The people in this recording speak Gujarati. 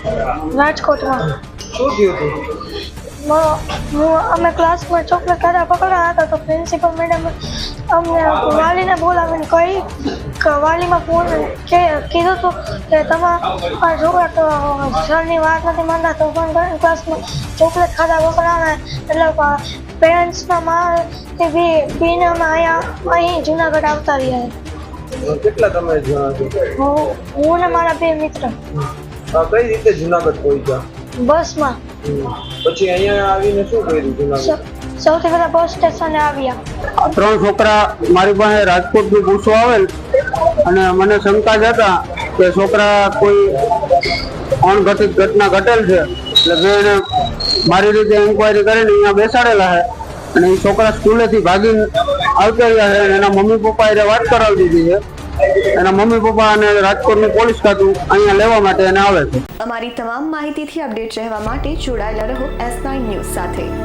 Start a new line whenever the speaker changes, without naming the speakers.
રાજકોટમાં
શું થયું હતું?
અમે ક્લાસમાં ચોકલેટ ખાધા પકડ્યા હતા તો પ્રિન્સિપલ મેડમ અમને વાલીને બોલાવીને કહી કે વાલીમાં ફોન કીધું હતું કે તમારા છોકરા સરની વાત નથી માનતા તો ફોન કરીને ક્લાસમાં ચોકલેટ ખાધા પકડાવે એટલે પેરેન્ટ્સના મારથી બીને અમે અહીં જુનાગઢ આવતા રહ્યા.
કેટલા તમે જણા છો?
હું ને મારા બે મિત્ર.
કઈ રીતે જુનાગઢ પહોંચ્યા?
બસમાં.
પછી અહીંયા આવીને શું કર્યું જુનાગઢ?
સૌથી પહેલા બસ સ્ટેશને આવ્યા.
3 છોકરા મારી પાસે રાજકોટથી પૂછવા આવેલ અને મને શંકા જ હતા કે છોકરા કોઈ અણઘટિત ઘટના ઘટેલ છે એટલે મેં એને મારી રીતે ઇન્કવાયરી કરીને અહીંયા બેસાડેલા છે અને એ છોકરા સ્કૂલેથી ભાગીને આવતા રહ્યા છે અને એના મમ્મી પપ્પા એને વાત કરાવી દીધી છે. એના મમ્મી પપ્પા અને રાજકોટનું પોલીસ ખાતું અહીંયા લેવા માટે એને આવે છે.
અમારી તમામ માહિતીથી અપડેટ રહેવા માટે જોડાયેલા રહો S9 ન્યૂઝ સાથે.